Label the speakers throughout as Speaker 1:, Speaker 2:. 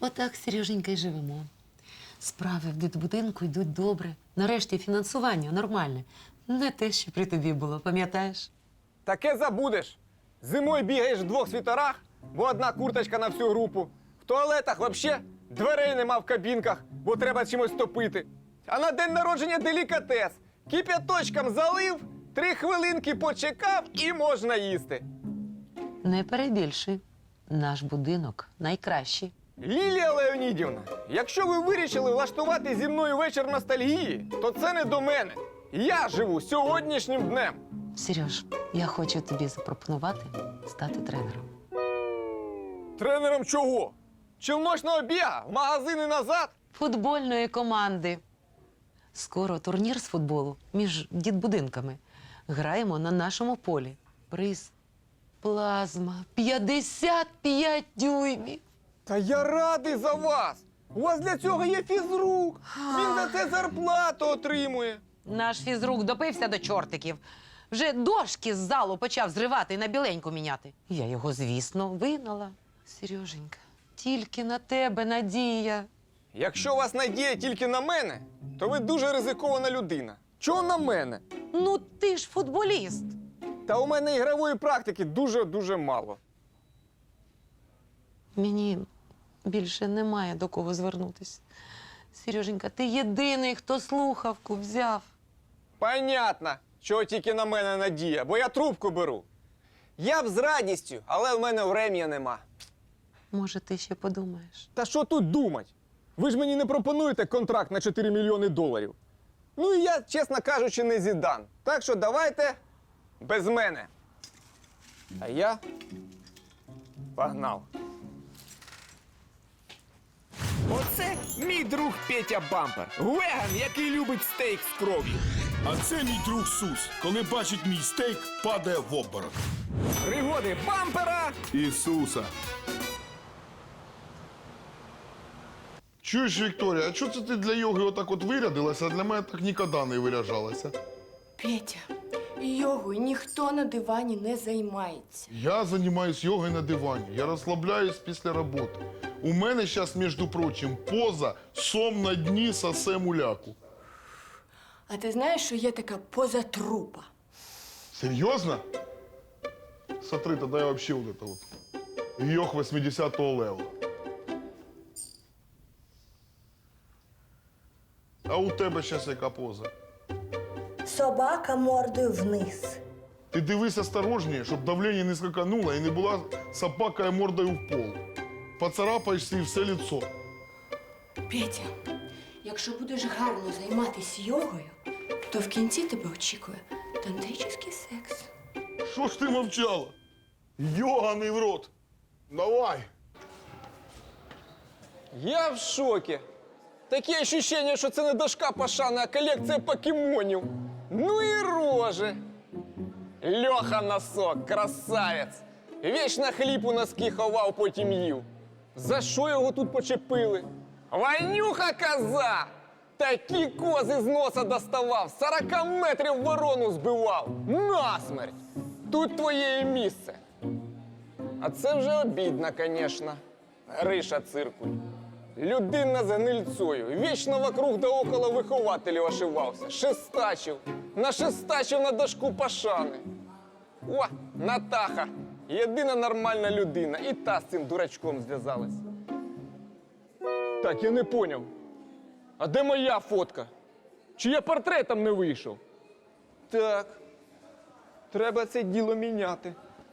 Speaker 1: Отак, Сереженька, й живемо. Справи в дитбудинку йдуть добре. Нарешті фінансування нормальне. Не те, що при тобі було, пам'ятаєш?
Speaker 2: Таке забудеш. Зимою бігаєш в двох світорах, бо одна курточка на всю групу. В туалетах взагалі дверей нема в кабінках, бо треба чимось топити. А на день народження делікатес. Кип'яточком залив, 3 хвилинки почекав і можна їсти.
Speaker 1: Не перебільшуй. Наш будинок найкращий.
Speaker 2: Лілія Леонідівна, якщо ви вирішили влаштувати зі мною вечір ностальгії, то це не до мене. Я живу сьогоднішнім днем.
Speaker 1: Сереж, я хочу тобі запропонувати стати тренером.
Speaker 2: Тренером чого? Челночного біга? В магазин і назад?
Speaker 1: Футбольної команди. Скоро турнір з футболу між дитбудинками. Граємо на нашому полі. Приз. Плазма. 55 дюймів.
Speaker 2: Та я радий за вас! У вас для цього є фізрук! Він за це зарплату отримує!
Speaker 1: Наш фізрук допився до чортиків. Вже дошки з залу почав зривати і на біленьку міняти. Я його, звісно, вигнала. Сереженька, тільки на тебе надія.
Speaker 2: Якщо у вас надія тільки на мене, то ви дуже ризикована людина. Чого на мене?
Speaker 1: Ну ти ж футболіст.
Speaker 2: Та у мене ігрової практики дуже-дуже мало.
Speaker 1: Мені більше немає до кого звернутися. Сереженька, ти єдиний, хто слухавку взяв.
Speaker 2: Понятно, чого тільки на мене надія, бо я трубку беру. Я б з радістю, але в мене врем'я нема.
Speaker 1: Може, ти ще подумаєш?
Speaker 2: Та що тут думать? Ви ж мені не пропонуєте контракт на 4 мільйони доларів. Ну і я, чесно кажучи, не Зідан. Так що давайте без мене. А я погнав. Оце мій друг Петя Бампер. Веган, який любить стейк з кров'ю.
Speaker 3: А це мій друг Сус. Коли бачить мій стейк, падає в обморок.
Speaker 2: Пригоди Бампера.
Speaker 3: Ісуса.
Speaker 4: Чуєш, Вікторія, а чого це ти для йоги отак от вирядилася, а для мене так ніколи не виряджалася?
Speaker 5: Петя, йогою ніхто на дивані не займається.
Speaker 4: Я займаюсь йогою на дивані, я розслабляюсь після роботи. У мене зараз, між прочим, поза «сом на дні сосе муляку».
Speaker 5: А ти знаєш, що є така поза трупа?
Speaker 4: Серйозно? Смотри, тоді я вообще вот это вот. Йог 80-го левела. А у тебе зараз яка поза?
Speaker 6: Собака мордою вниз.
Speaker 4: Ти дивись осторожніше, щоб давлення не скакануло і не була собака мордою в пол. Поцарапаєш собі все лицо.
Speaker 5: Петя, якщо будеш гарно займатися йогою, то в кінці тебе очікує тантричний секс.
Speaker 4: Що ж ти мовчала? Йоганий в рот. Давай.
Speaker 2: Я в шокі. Таке ощущення, що це не дошка Пашана, а колекція покемонів. Ну і рожи. Льоха Носок, красавець. Вічно хліб у носки ховав, потім їв. За що його тут почепили? Ванюха коза! Такі кози з носа доставав, 40 метрів ворону збивав. Насмерть! Тут твоє місце. А це вже обідно, звісно. Гриша Циркуль. Людина з гнильцою. Вічно вокруг да около вихователів ошивався. Шестачив. Нашестачив на дошку Пашани. О, Натаха. Єдина нормальна людина. І та з цим дурачком зв'язалась. Так, я не поняв. А де моя фотка? Чи я портретом не вийшов? Так. Треба це діло міняти.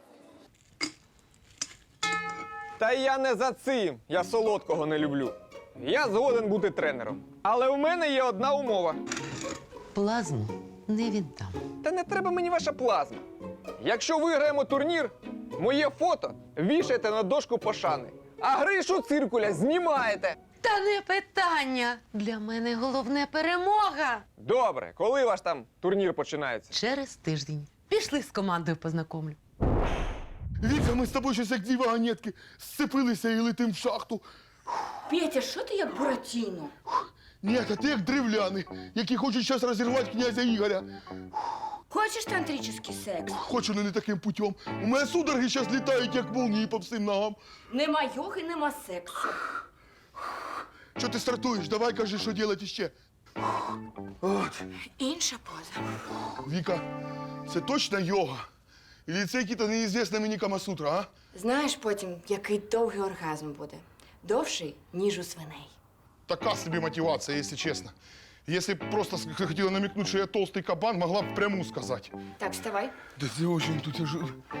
Speaker 2: Та я не за цим. Я солодкого не люблю. Я згоден бути тренером. Але у мене є одна умова.
Speaker 1: Плазму не віддам.
Speaker 2: Та не треба мені ваша плазма. Якщо виграємо турнір, моє фото вішаєте на дошку Пашани, а Гришу Циркуля знімаєте.
Speaker 1: Та не питання. Для мене головне перемога.
Speaker 2: Добре, коли ваш там турнір починається?
Speaker 1: Через тиждень. Пішли з командою познайомлю.
Speaker 4: Віка, ми з тобою щось як дві вагонетки сцепилися і летим в шахту.
Speaker 5: Петя, що ти як Буратіно?
Speaker 4: Ні, а ти як древляний, які хочуть зараз розірвати князя Ігоря.
Speaker 5: Хочеш тантричний секс?
Speaker 4: Хочу, але не таким путем. У мене судороги зараз літають, як молнії по всім ногам.
Speaker 5: Нема йоги, нема сексу.
Speaker 4: Що ти стартуєш? Давай кажи, що робити ще. От.
Speaker 5: Інша поза.
Speaker 4: Віка, це точно йога? Или це який-то неізвісний мені Камасутра, а?
Speaker 5: Знаєш потім, який довгий оргазм буде. Довший, ніж у свиней.
Speaker 4: Така собі мотивація, якщо чесно. Якщо б просто хотіла намекнути, що я толстий кабан, могла б пряму сказати.
Speaker 5: Так, вставай.
Speaker 4: Да це очень тут я ж...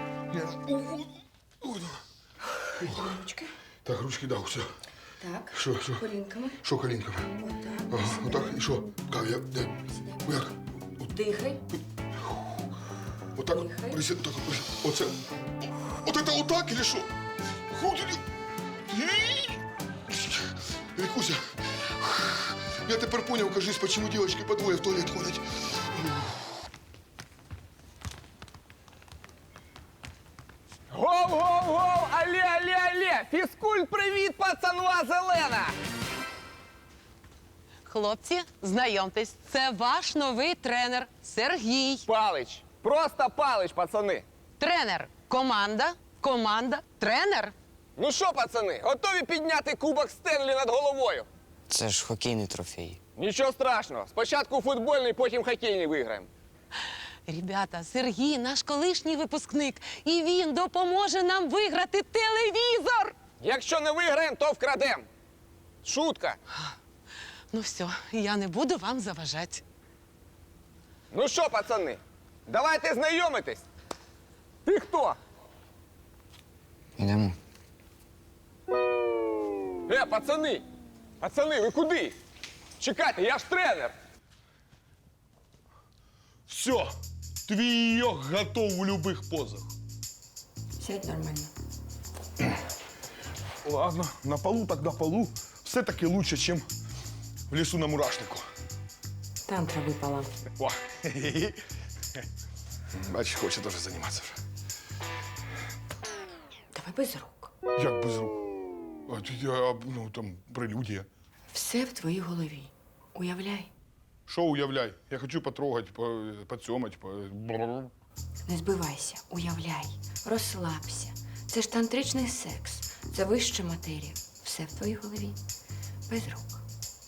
Speaker 5: Ручки.
Speaker 4: Так, ручки, да, все.
Speaker 5: Так.
Speaker 4: Що?
Speaker 5: Колінками.
Speaker 4: Що колінками?
Speaker 5: Отак.
Speaker 4: Ага, отак, і що? Как, я, де? Як?
Speaker 5: Дихай.
Speaker 4: Отак,
Speaker 5: Дихай.
Speaker 4: присід, так, оце. От це отак, или що? Вікуся, я тепер поняв, кажись, почему девочки по двоє в туалет ходять.
Speaker 2: Гов-гов-гов! Алле! Фізкульт, привіт, пацанва зелена!
Speaker 1: Хлопці, знайомтесь, це ваш новий тренер Сергій.
Speaker 2: Палич. Просто Палич, пацани.
Speaker 1: Тренер, команда, тренер.
Speaker 2: Ну що, пацани, готові підняти кубок Стенлі над головою?
Speaker 7: Це ж хокейний трофей.
Speaker 2: Нічого страшного. Спочатку футбольний, потім хокейний виграємо.
Speaker 1: Ребята, Сергій наш колишній випускник, і він допоможе нам виграти телевізор.
Speaker 2: Якщо не виграємо, то вкрадемо. Шутка.
Speaker 1: Ну все, я не буду вам заважати.
Speaker 2: Ну що, пацани, давайте знайомитись. Ти хто?
Speaker 7: Йдемо.
Speaker 2: Пацани! Пацани, ви куди? Чекайте, я ж тренер.
Speaker 4: Все, твій йог готов в любих позах.
Speaker 5: Сядь нормально.
Speaker 4: Ладно, на полу так на полу. Все-таки лучше, чем в лесу на мурашнику.
Speaker 5: Тантра випала.
Speaker 4: О, бачиш, хоче теж займатися вже.
Speaker 5: Давай без рук.
Speaker 4: Як без рук? Ну, там, прелюдія.
Speaker 5: Все в твоїй голові. Уявляй.
Speaker 4: Що уявляй? Я хочу потрогати, поцьомати,
Speaker 5: Не збивайся, уявляй, розслабся. Це ж тантричний секс. Це вища матерія. Все в твоїй голові. Без рук.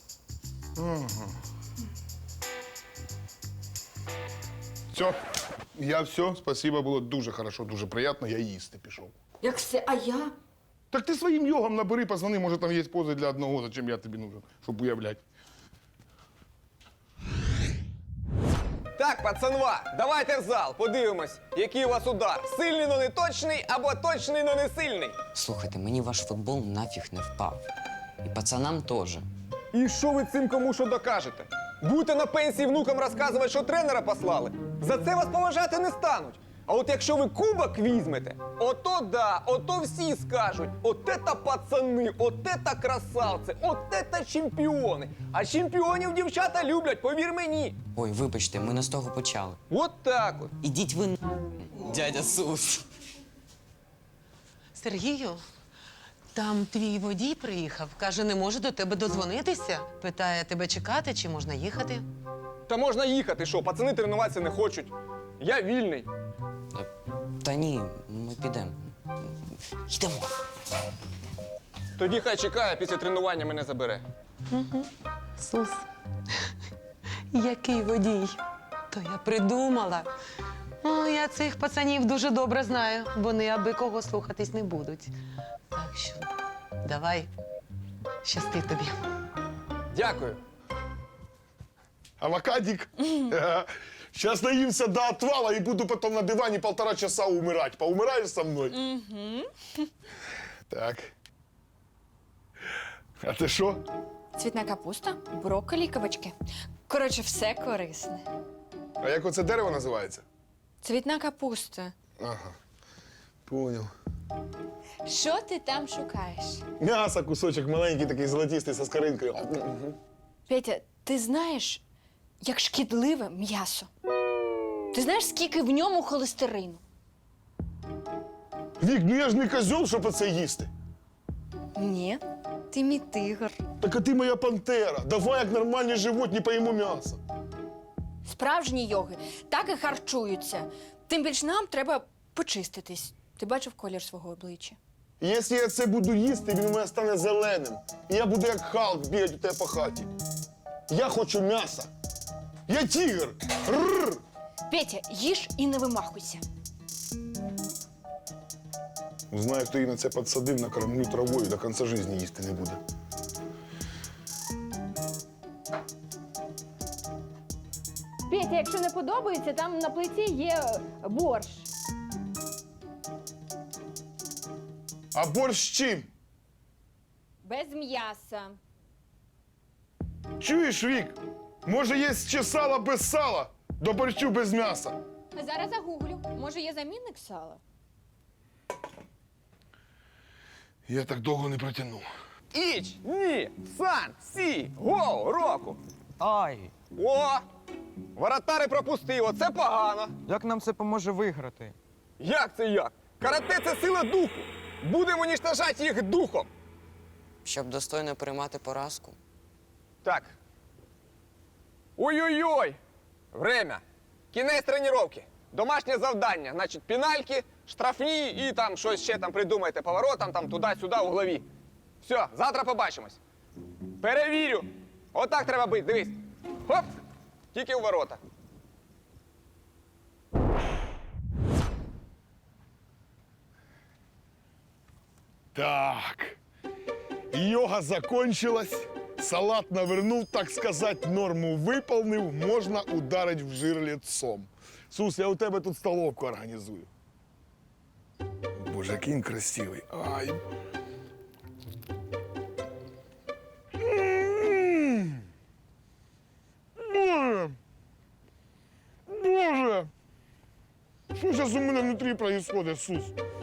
Speaker 4: Все, я все, спасибо, було дуже хорошо, дуже приємно, я їсти пішов.
Speaker 5: Як все, а я?
Speaker 4: Так ти своїм йогом набери, позвони, може там є пози для одного, зачем я тобі нужен, щоб уявляти.
Speaker 2: Так, пацанва, давайте в зал, подивимось, який у вас удар. Сильний, но не точний, або точний, но не сильний.
Speaker 7: Слухайте, мені ваш футбол нафіг не впав. І пацанам теж.
Speaker 2: І що ви цим кому що докажете? Будете на пенсії внукам розказувати, що тренера послали? За це вас поважати не стануть. А от якщо ви кубок візьмете, ото да, ото всі скажуть, от ета пацани, от ета красавці, от ета чемпіони. А чемпіонів дівчата люблять, повір мені.
Speaker 7: Ой, вибачте, ми не з того почали.
Speaker 2: От так от.
Speaker 7: Ідіть ви дядя Сус.
Speaker 1: Сергію, там твій водій приїхав, каже, не може до тебе додзвонитися. Питає, тебе чекати чи можна їхати.
Speaker 2: Та можна їхати, що, пацани тренуватися не хочуть. Я вільний.
Speaker 7: Та ні, ми підемо. Йдемо.
Speaker 2: Тоді хай чекає, після тренування мене забере.
Speaker 1: Сус, який водій? То я придумала. О, я цих пацанів дуже добре знаю. Вони аби кого слухатись не будуть. Так що давай, щасти тобі.
Speaker 2: Дякую.
Speaker 4: Авокадик. Сейчас наимся до отвала и буду потом на диване 1,5 часа умирать. Поумираешь со мной? Так. А ти що?
Speaker 8: Цвітна капуста, брокколі, кабачки. Коротше, все корисне.
Speaker 4: А як оце дерево називається?
Speaker 8: Цвітна капуста.
Speaker 4: Ага. Понял.
Speaker 8: Що ти там шукаєш?
Speaker 4: М'ясо, кусочок маленький, такий золотистий, со скоринкою.
Speaker 8: Петя, ти знаєш, як шкідливе м'ясо? Ти знаєш, скільки в ньому холестерину?
Speaker 4: Вік, ну я ж не козьол, щоб оце їсти.
Speaker 8: Ні, ти мій тигр.
Speaker 4: Так а ти моя пантера. Давай, як нормальні животні, поїмо м'ясо.
Speaker 8: Справжні йоги так і харчуються. Тим більш нам треба почиститись. Ти бачив колір свого обличчя?
Speaker 9: І якщо я це буду їсти, він у мене стане зеленим. І я буду як Халк бігати у тебе по хаті. Я хочу м'яса. Я тігр. Рррр.
Speaker 8: Петя, їж і не вимахуйся.
Speaker 9: Знаю, хто її на це підсадив, накормлю травою, до кінця життя їсти не буде.
Speaker 10: Петя, якщо не подобається, там на плиті є борщ.
Speaker 9: А борщ з чим?
Speaker 10: Без м'яса.
Speaker 9: Чуєш, Вік? Може, є ще сало без сала? До борщу без м'яса.
Speaker 10: Зараз загуглю. Може, є замінник сала?
Speaker 9: Я так довго не протягну.
Speaker 2: Іч, ні, сан, сі, гол, року.
Speaker 11: Ай,
Speaker 2: О! Воротари пропустив, оце погано.
Speaker 11: як нам це поможе виграти?
Speaker 2: Як це як? Карате – це сила духу. Будемо уніштожати їх духом.
Speaker 7: Щоб достойно приймати поразку.
Speaker 2: Так. Ой-ой-ой! Время. Кінець тренування. Домашнє завдання. Значить, пенальки, штрафні і там щось ще там придумайте поворотом, там туди-сюди, у голові. Все, завтра побачимось. Перевірю. Отак треба бити, дивись. Хоп! Тільки у ворота.
Speaker 9: Так. Йога закончилась. Салат навернув, так сказать, норму виповнив, можна ударить в жир лицом. Сус, я у тебе тут столовку організую. Боже, який він красивий. Ай. Боже. Боже. Що зараз у мене внутрі происходит, Сус?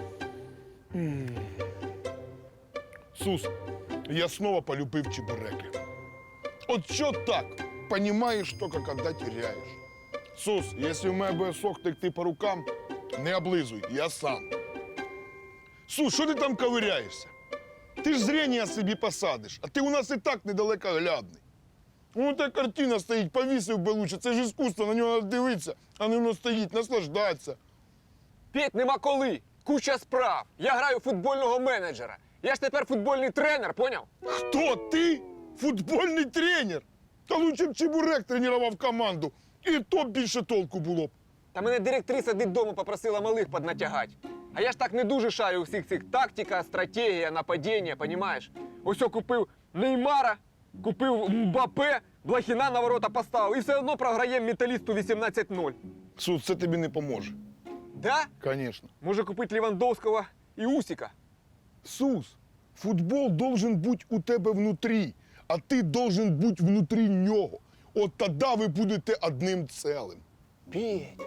Speaker 9: Сус, я снова полюбив чебуреки. От що так? Понимаешь только, когда теряешь. Сус, если у мене буде сок текти по рукам, не облизуй, я сам. Сус, що ти там ковиряєшся? Ти ж зрення собі посадиш, а ти у нас і так недалекоглядний. Вон та картина стоїть, повісив би лучше, це ж іскусство, на нього треба дивитися, а не воно стоїть, наслаждатися.
Speaker 2: Петь, нема коли. Куча справ. Я граю футбольного менеджера. Я ж тепер футбольний тренер, поняв?
Speaker 9: Хто ти? Футбольний тренер? Та лучше б чебурек тренував команду. І то б більше толку було б.
Speaker 2: Та мене директриса додому попросила малих поднатягати. А я ж так не дуже шарю у всіх цих тактика, стратегія, нападіння, понімаєш? Ось я купив Неймара, купив Мбапе, Блохіна на ворота поставив і все одно програємо металісту 18-0.
Speaker 9: Сус, це тобі не поможе.
Speaker 2: Да?
Speaker 9: Конечно.
Speaker 2: Може купити Лівандовського і Усіка.
Speaker 9: Сус, футбол должен бути у тебе внутрі, а ти должен бути внутрі нього. От тоді ви будете одним цілим.
Speaker 2: Петь.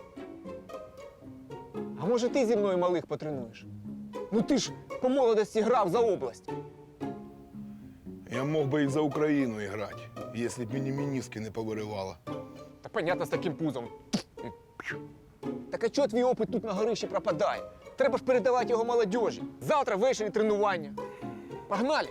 Speaker 2: А може ти зі мною малих потренуєш? Ну ти ж по молодості грав за область.
Speaker 9: Я мог би і за Україну грати, якщо б мені мініски не повиривало.
Speaker 2: Та понятно, з таким пузом. Так а чого твій опит тут на горищі пропадає? Треба ж передавати його молодіжі. Завтра ввечері тренування. Погнали!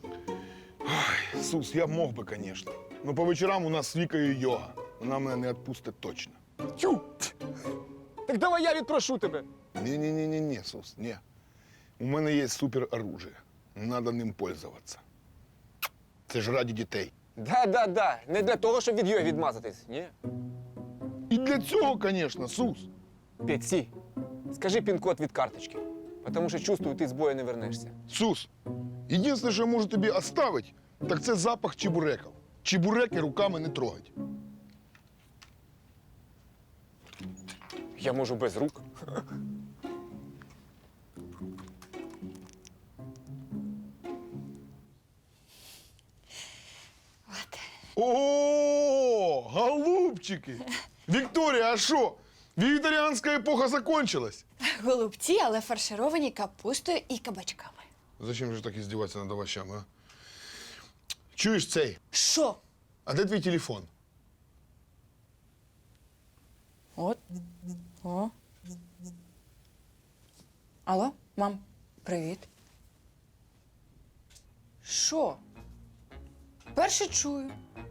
Speaker 9: Сус, я мог би, звісно. Но по вечорам у нас з Вікою йога. Вона мене не відпустить точно.
Speaker 2: Тю! Так давай я відпрошу тебе.
Speaker 9: Ні, Сус, ні. У мене є супероружие. Надо ним пользуватися. Це ж раді дітей.
Speaker 2: Да. Не для того, щоб від його відмазатись. Ні.
Speaker 9: І для цього, звісно, Сус.
Speaker 2: Петь, сі, скажи пін-код від карточки. Тому що чувствую, ти з бою не вернешся.
Speaker 9: Сус, єдине, що я можу тобі оставити, так це запах чебуреків. Чебуреки руками не трогать.
Speaker 2: Я можу без рук.
Speaker 9: О, голубчики! Вікторія, а що? Вегетаріанська епоха закончилась?
Speaker 8: Голубці, але фаршировані капустою і кабачками.
Speaker 9: Зачем же так издеваться над овощами, а? Чуєш цей?
Speaker 8: Що?
Speaker 9: А де твій телефон?
Speaker 8: От. О. Алло, мам, привіт. Що? Перше чую.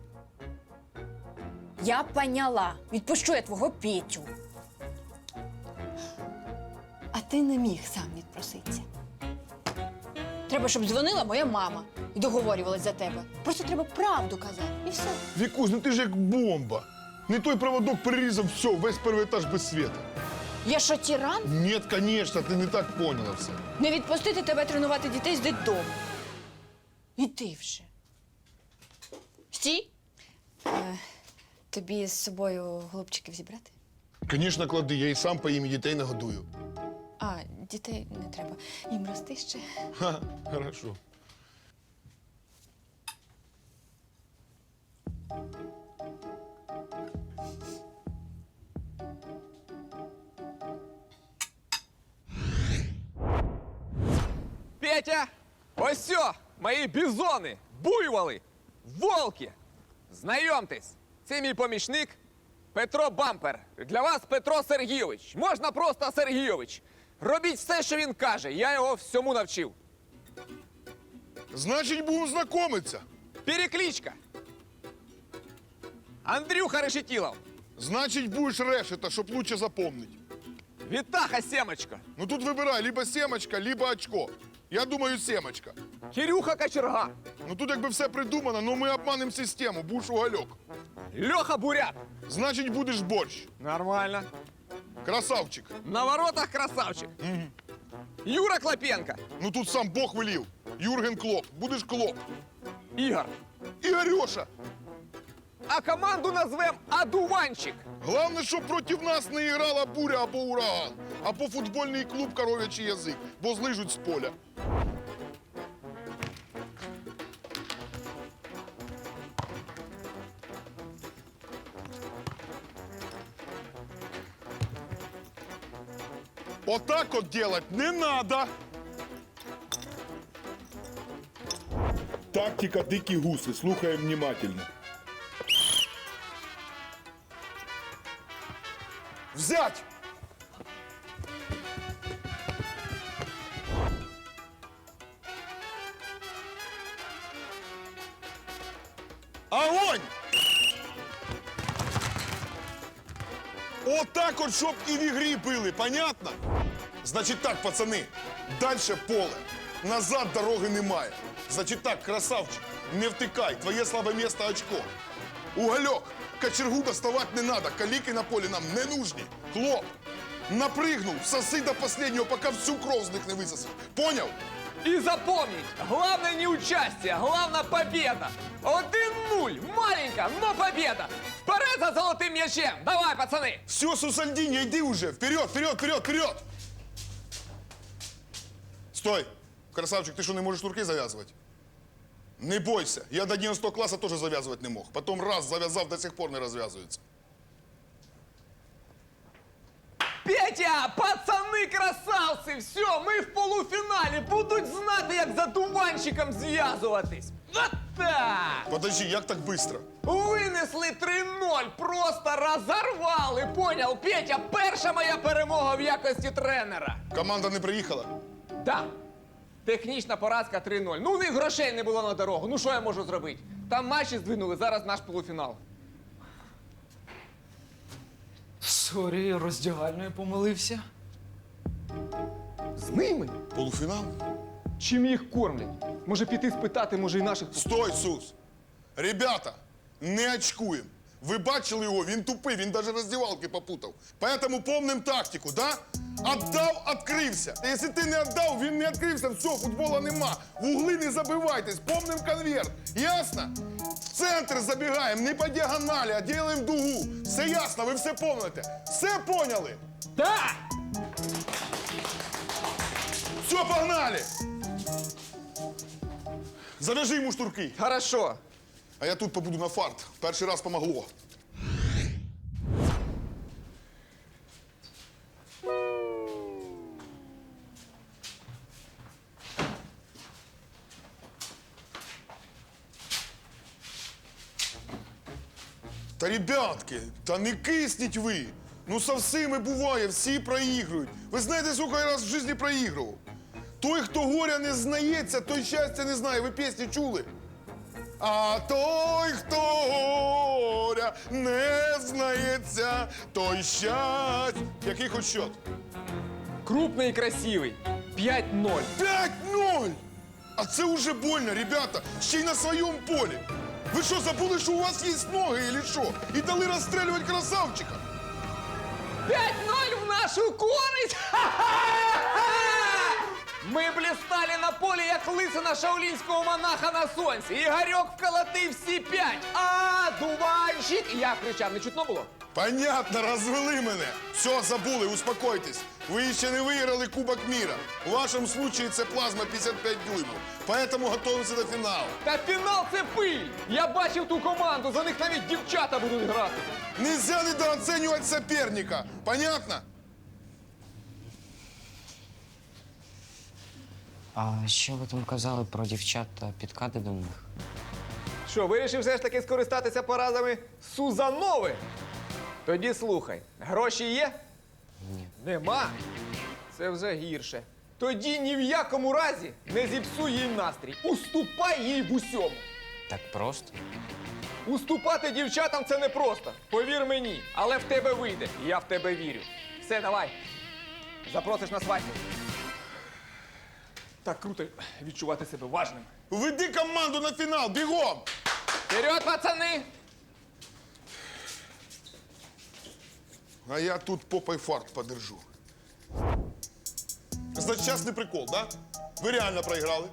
Speaker 8: Я поняла. Відпущу я твого Петю. А ти не міг сам відпроситися. Треба, щоб дзвонила моя мама і договорювалась за тебе. Просто треба правду казати. І все.
Speaker 9: Вікусь, ну ти ж як бомба. Не той проводок перерізав, все, весь перший етаж без світу.
Speaker 8: Я що, тиран?
Speaker 9: Ні, звісно, ти не так поняла все.
Speaker 8: Не відпустити тебе тренувати дітей з дитдому. Іди вже. Стій. Тобі з собою голубчиків зібрати?
Speaker 9: Звісно, клади, я і сам поїм і дітей нагодую.
Speaker 8: А, дітей не треба. Їм рости ще.
Speaker 9: Ха, хорошо.
Speaker 2: Петя, ось сьо, мої бізони, буйволи, волки. Знайомтесь, це мій помічник Петро Бампер. Для вас Петро Сергійович. Можна просто Сергійович. Робіть все, що він каже, я його всьому навчив.
Speaker 9: Значить, будемо знайомитися.
Speaker 2: Перекличка. Андрюха Решетілов.
Speaker 9: Значить, будеш решета, щоб лучше запомнити.
Speaker 2: Вітаха Семочка.
Speaker 9: Ну тут вибирай, либо семочка, либо очко. Я думаю, семочка.
Speaker 2: Кирюха Кочерга.
Speaker 9: Ну тут якби все придумано, но ми обманемо систему, будеш угольок.
Speaker 2: Льоха Бурят.
Speaker 9: Значить, будеш борщ.
Speaker 2: Нормально.
Speaker 9: Красавчик.
Speaker 2: На воротах красавчик. Юра Клопенко.
Speaker 9: Ну тут сам Бог велів. Юрген Клоп. Будеш Клоп.
Speaker 2: Ігор.
Speaker 9: Ігорьоша.
Speaker 2: А команду назвем Адуванчик.
Speaker 9: Головне, щоб проти нас не грала буря або ураган, або футбольний клуб коров'ячий язик, бо злижуть з поля. Отак от делать не надо.
Speaker 3: Тактика дикі гуси. Слухаємо внимательно.
Speaker 9: Взять! Огонь! Отак от, щоб і в ігрі били, понятно? Значить так, пацани, дальше поле. Назад дороги немає. Значить так, красавчик, не втикай, твоє слабе місце очко. Угольок, кочергу доставать не надо, каліки на полі нам не нужні. Хлоп, напригнув, соси до последнего, пока всю кров з них не висосив. Поняв?
Speaker 2: И запомнить, главное не участие, главное победа. 1-0, маленько, но победа. Вперед за золотым мячем. Давай, пацаны.
Speaker 9: Все, Сусальдіньо, йди уже. Вперед, вперед, вперед, вперед! Стой! Красавчик, ти що, не можеш шнурки зав'язувати? Не бойся, я до 11 класу теж зав'язувати не мог. Потім раз зав'язав, до сих пор не розв'язується.
Speaker 2: Петя, пацаны красавцы, все, мы в полуфіналі. Будуть знати, як за дуванчиком зв'язуватись. Вот так!
Speaker 9: Подожди, як так швидко?
Speaker 2: Винесли 3-0, просто розорвали, понял? Петя, перша моя перемога в якості тренера.
Speaker 9: Команда не приїхала?
Speaker 2: Да. Технічна поразка 3-0. Ну, у них грошей не було на дорогу. Ну, що я можу зробити? Там матчі здвинули, зараз наш полуфінал.
Speaker 11: Сорі, роздягальною помилився.
Speaker 2: З ними?
Speaker 9: Полуфінал?
Speaker 2: Чим їх кормлять? Може піти спитати, може і наших...
Speaker 9: Стой, Сус! Ребята, не очкуємо. Ви бачили його, він тупий, він навіть роздівалки попутав. Поэтому помним тактику, да? Отдав, відкрився. Якщо ти не віддав, він не відкрився, все, футбола нема. В угли не забивайтесь, помним конверт. Ясно? В центр забігаємо, не по діагоналі, а ділаємо дугу. Все ясно, ви все помните. Все поняли?
Speaker 2: Да!
Speaker 9: Все, погнали! Завяжи йому штурки.
Speaker 2: Хорошо.
Speaker 9: А я тут побуду на фарт. Перший раз помогло. Та, ребятки, та не кисніть ви. Ну, со всіми буває, всі проігрують. Ви знаєте, скільки я раз в житті проігрував? Той, хто горя не знається, той щастя не знає. Ви пісні чули? А той, хто горя не знається, той щастя. Який хоч счет?
Speaker 2: Крупний і красивий. 5-0.
Speaker 9: 5-0! А це уже больно, ребята, ще й на своєму полі. Ви що, забули, що у вас є ноги, или що? І дали розстрілювати красавчика?
Speaker 2: 5-0 в нашу користь! Ха-ха-ха! Ми блістали на полі, як лисина шаолінського монаха на сонці. Ігорьок вколотив всі 5. А, дуванчик! І я кричав, не чутно було?
Speaker 9: Понятно, розвели мене. Все, забули, успокойтесь. Ви ще не виграли Кубок міра. У вашому случаї це плазма 55 дюймів. Поэтому готуємося до фіналу.
Speaker 2: Та фінал це пиль! Я бачив ту команду, за них навіть дівчата будуть грати.
Speaker 9: Нельзя недооценивать соперника. Понятно?
Speaker 7: А що ви там казали про дівчат та підкати до них?
Speaker 2: Що, вирішив все ж таки скористатися порадами Сузанови? Тоді слухай, гроші є?
Speaker 7: Ні.
Speaker 2: Нема? Це вже гірше. Тоді ні в якому разі не зіпсуй їй настрій. Уступай їй в усьому.
Speaker 7: Так просто?
Speaker 2: Уступати дівчатам це непросто. Повір мені, але в тебе вийде. І я в тебе вірю. Все, давай. Запросиш на свадьбу. Так круто відчувати себе важним.
Speaker 9: Веди команду на фінал, бігом!
Speaker 2: Вперед, пацани!
Speaker 9: А я тут попой фарт подержу. Значить, частний прикол, да? Ви реально проіграли?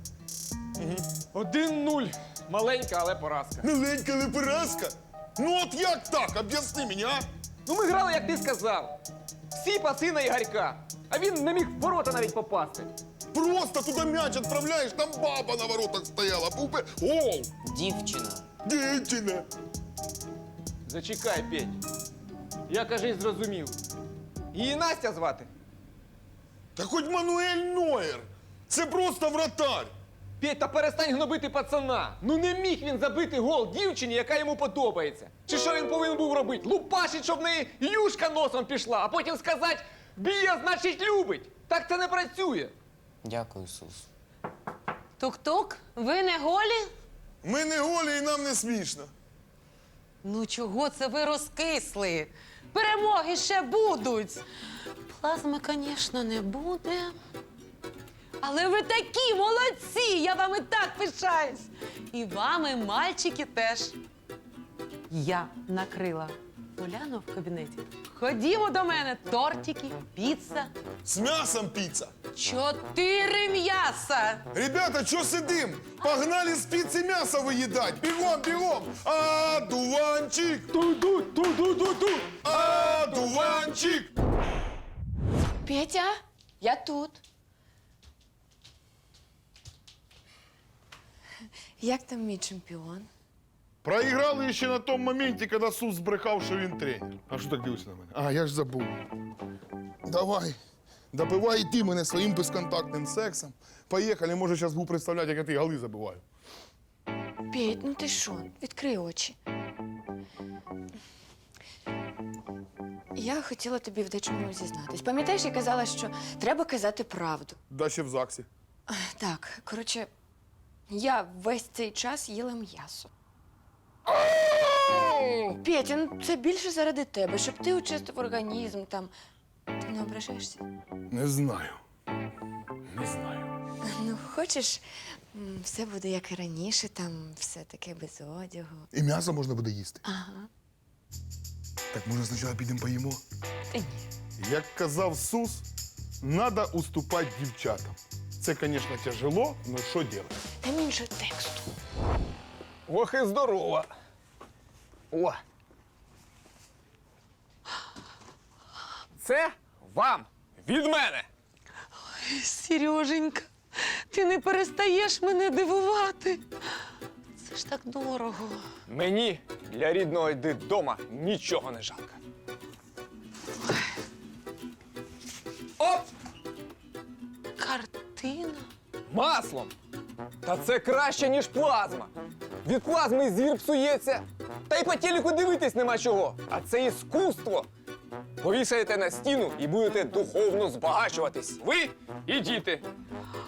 Speaker 2: 1-0. Маленька, але поразка.
Speaker 9: Маленька, але поразка? Ну от як так? Об'ясни мені, а?
Speaker 2: Ну ми грали, як ти сказав. Всі паси на Ігорька. А він не міг в ворота навіть попасти.
Speaker 9: Просто туди м'яч відправляєш, там баба на воротах стояла. Був би гол!
Speaker 7: Дівчина.
Speaker 9: Дівчина!
Speaker 2: Зачекай, Петь. Я, кажись, зрозумів. Її Настя звати.
Speaker 9: Та хоч Мануель Нойер! Це просто вратарь!
Speaker 2: Петь, та перестань гнобити пацана. Ну не міг він забити гол дівчині, яка йому подобається. Чи що він повинен був робити? Лупашить, щоб в неї юшка носом пішла, а потім сказати «б'є, значить любить». Так це не працює.
Speaker 7: Дякую, Сус.
Speaker 1: Тук-тук, ви не голі?
Speaker 9: Ми не голі і нам не смішно.
Speaker 1: Ну чого це ви розкисли? Перемоги ще будуть. Плазми, звісно, не буде. Але ви такі молодці! Я вами так пишаюсь. І вами, мальчики, теж. Я накрила Уляну в кабінеті. Ходімо до мене. Тортики, піца.
Speaker 9: З м'ясом піца.
Speaker 1: 4 м'яса.
Speaker 9: Ребята, що сидим? Погнали з піци м'ясо виїдать. Бігом, бігом. А, дуванчик.
Speaker 2: Ту-ду, ту-ду-ду-ду.
Speaker 9: А, дуванчик.
Speaker 8: Петя, я тут. Як там мій чемпіон?
Speaker 9: Проіграли ще на тому моменті, коли Сус збрехав, що він тренер. А що так дивишся на мене? А, я ж забув. Давай, добивай і ти мене своїм безконтактним сексом. Поїхали, може, зараз буду представляти, як я ти голи забиваю.
Speaker 8: Петь, ну ти що? Відкрий очі. Я хотіла тобі в дечому зізнатись. Пам'ятаєш, я казала, що треба казати правду.
Speaker 9: Да ще в ЗАГСі.
Speaker 8: Так, коротше, я весь цей час їла м'ясо. Петя, ну це більше заради тебе, щоб ти очистив організм там. Ти не ображаєшся?
Speaker 9: Не знаю. Не знаю.
Speaker 8: Ну, хочеш, все буде як і раніше, там все таке без одягу.
Speaker 9: І м'ясо можна буде їсти.
Speaker 8: Ага.
Speaker 9: Так може спочатку підемо поїмо?
Speaker 8: Та ні.
Speaker 9: Як казав Сус, треба уступати дівчатам. Це, звісно, тяжело, але що робити?
Speaker 8: Там іншого тексту.
Speaker 2: Ох і здорова. О. Це вам від мене.
Speaker 1: Сереженька, ти не перестаєш мене дивувати. Це ж так дорого.
Speaker 2: Мені для рідного дитдома нічого не жалко. Оп!
Speaker 1: Картина?
Speaker 2: Маслом! Та це краще, ніж плазма. Від плазми зір псується. Та й по телеку дивитись нема чого. А це іскусство. Повішаєте на стіну і будете духовно збагачуватись. Ви і діти.